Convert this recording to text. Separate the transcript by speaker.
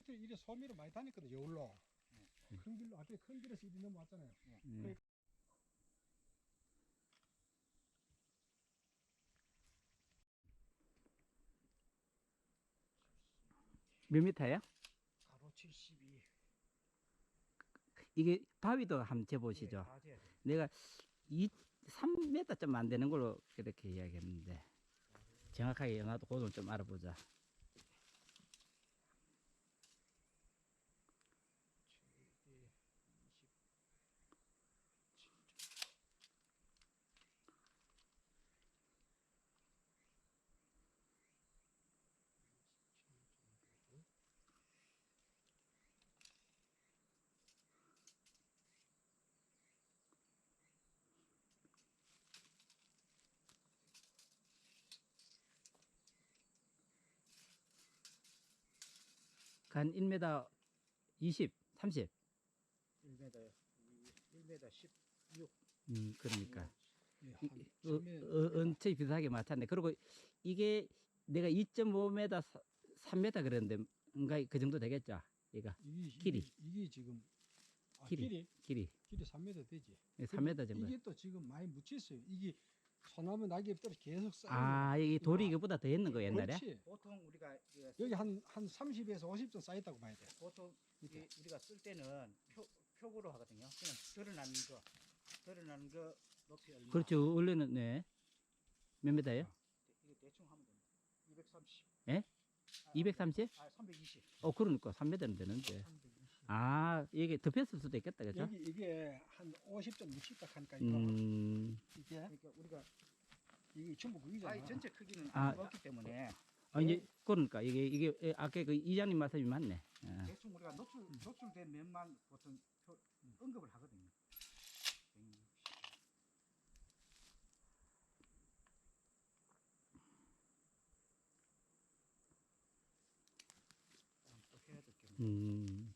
Speaker 1: 트랙터 이래 소미로 많이 다녔거든 여울로. 큰 길로 앞에 큰 길에서 이리 넘어왔잖아요. 그러니까
Speaker 2: 몇 미터예요?
Speaker 1: 가로 72.
Speaker 2: 이게 바위도 한번 재보시죠.
Speaker 1: 다 돼야 돼.
Speaker 2: 내가 3m 좀 안 되는 걸로 그렇게 이야기했는데 정확하게 나도 그걸 좀 알아보자. 한 1m 20, 30.
Speaker 3: 1m 1m 16.
Speaker 2: 그러니까
Speaker 1: 예,
Speaker 2: 이-
Speaker 1: 한
Speaker 2: 어,
Speaker 1: 3m.
Speaker 2: 언체 비슷하게 맞췄네. 그리고 이게 내가 2.5m, 3m 그랬는데 뭔가 그 정도 되겠죠. 이거 길이.
Speaker 1: 이게 지금
Speaker 2: 길이.
Speaker 1: 길이
Speaker 2: 길이
Speaker 1: 3m 되지.
Speaker 2: 3m 정도.
Speaker 1: 이게 또 지금 많이 묻혔어요. 이게 소나무 낙엽 떨어 계속 쌓여.
Speaker 2: 아, 이게 돌이 이거보다 더 했는 거 옛날에?
Speaker 1: 그렇지.
Speaker 3: 보통 우리가
Speaker 1: 여기 한 30에서 50점 쌓였다고 봐야 돼.
Speaker 3: 보통 우리가 쓸 때는 표고로 하거든요. 그냥 드러나는 거 높이 얼마?
Speaker 2: 그렇죠. 원래는 네. 몇 미터예요?
Speaker 3: 이거 대충 하면 됩니다. 230.
Speaker 2: 예? 230?
Speaker 3: 320.
Speaker 2: 그러니까 3m는 되는데.
Speaker 3: 320.
Speaker 2: 아, 이게 덮였을 수도 있겠다, 그죠?
Speaker 1: 여기 이게 한 50점 묻혔다 하니까 이거 이게
Speaker 3: 그러니까 우리가
Speaker 1: 이게 전부 그기잖아.
Speaker 3: 바위 전체 크기는
Speaker 2: 아.
Speaker 3: 없기 때문에
Speaker 2: 이제 그러니까 이게 아까 그 이장님 말씀이 맞네. 아.
Speaker 3: 대충 우리가 노출된 면만 보통 언급을 하거든요. 160. 또 해야 될 게.
Speaker 2: 음.